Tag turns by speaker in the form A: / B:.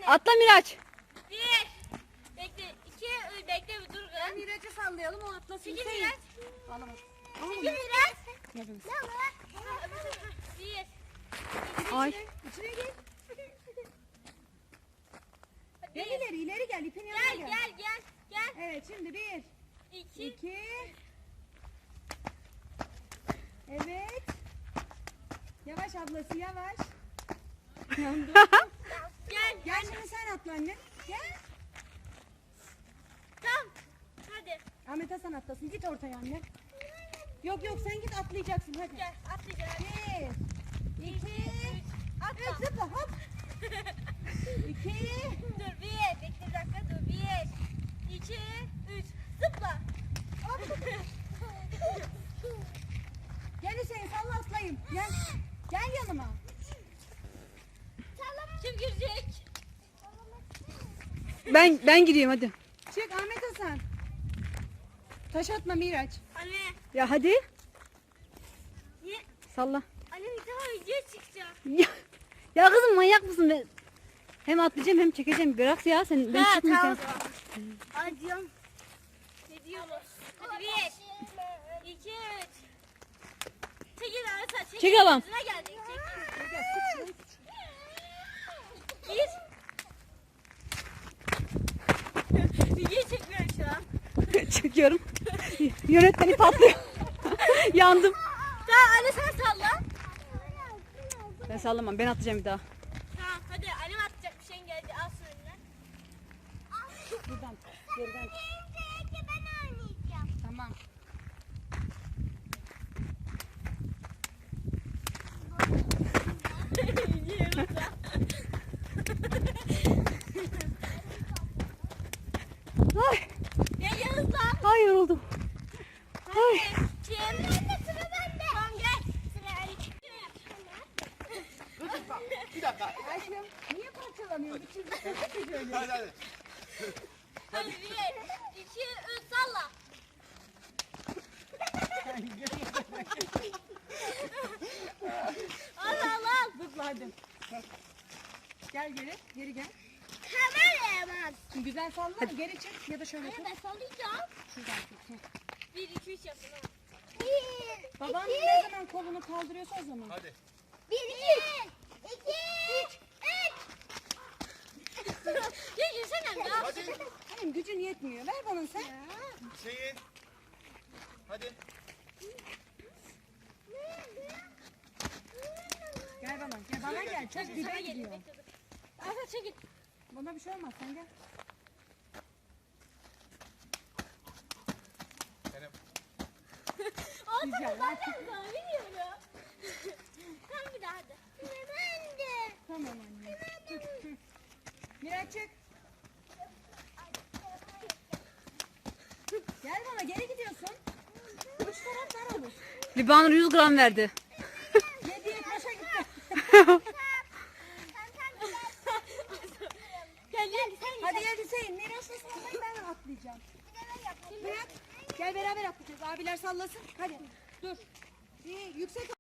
A: Atla Miraç.
B: 1. Bekle. 2. Bekle bir dur.
C: Ben Miraç'ı sallayalım, o atlasın.
B: Çekil
C: Hüseyin.
B: Miraç.
C: Alamaz.
B: Çekil Miraç.
C: Yapınız.
B: 1.
A: Ay.
C: İçine gir. Gel ileri gel. İpin yanına
B: Gel gel gel. Gel.
C: Evet, şimdi 1,
B: 2.
C: 2. Evet. Yavaş ablası, yavaş.
B: Gel.
C: Gel şimdi sen atla anne. Gel.
B: Tamam. Hadi.
C: Ahmet Hasan atlasın. Git ortaya anne. Yok sen git, atlayacaksın hadi.
B: Gel. Atlayacağız.
C: 1, 2, 3.
B: Atla.
C: Zıpla hop. 2.
B: Dur 1. Bekle bir dakika. Dur 1. 2. 3. Zıpla.
C: Gel Hüseyin, salla atlayayım. Gel. Gel yanıma.
B: Kim girecek?
A: Ben giriyorum hadi.
C: Çık Ahmet Hasan. Taş atma Miraç.
B: Anne.
A: Ya hadi.
B: Niye?
A: Salla.
B: Anne bir daha video çıkacak.
A: Ya kızım manyak mısın? Ben hem atlayacağım hem çekeceğim. Bırak ya sen. Ben çıkmayacağım.
B: Acıyorum. Ne diyorsunuz? Hadi 1. 2. 3. Çekil arasa. Çekil.
A: Çek ablam.
B: Yüzüne geldik. Çekil.
C: Gel, tut şurayı.
B: 1. Video çekmiyorum şu an.
A: Çekiyorum. Yönetmeni patlıyor. Yandım.
B: Tamam anne sen salla.
A: Ben sallamam. Ben atlayacağım bir daha.
B: Tamam hadi annem atacak bir şeyin geldi. Al şunu eline.
C: Buradan. Geriden.
B: Ben oynayacağım.
C: Tamam.
A: Ay,
B: Ya Yağız lan.
A: ay yoruldum. Ay.
B: Kim? Sıra bende. Tamam gel. Sıra Ali.
D: Bir dakika.
C: Aşkım niye parçalanıyorsun? Bir çizgi çekti şöyle.
D: Hadi.
B: Hadi 1. 2. 3 salla. Al al al.
C: Zıpla hadi. Gel geri. Geri gel.
B: Kameramaz.
C: Güzel salla. Geri çık ya da şöyle tut.
B: Ben sallayacağım.
C: Şuradan tut.
B: 1 2 3 yapın.
C: Baban ne zaman kolunu kaldırıyorsa o zaman.
D: Hadi.
B: 1 2 2 3. Ya yürüsene ya.
D: Hadi.
C: Benim gücün yetmiyor. Ver bana sen.
D: Hüseyin. Hadi.
C: Gel bana. Gel bana gel. Çok
B: Sana
C: dibe
B: gelin.
C: gidiyor.
B: Asa çekil.
C: Bana bir şey olmaz. Sen gel.
D: Benim.
C: Güzel.
B: Ben de biliyorum. Tamam bir daha hadi. Ben de.
C: Tamam anne. Miraç çık. Gel bana, geri gidiyorsun. Üç taraf dar olur.
A: Libanur 100 gram verdi.
C: 7'ye boşa gitti.
B: Gel gel sen
C: Hadi gel Hüseyin. Miraç'la sallayın, ben atlayacağım. Miraç gel beraber atlayacağız. Abiler sallasın. Hadi dur. Bir yüksek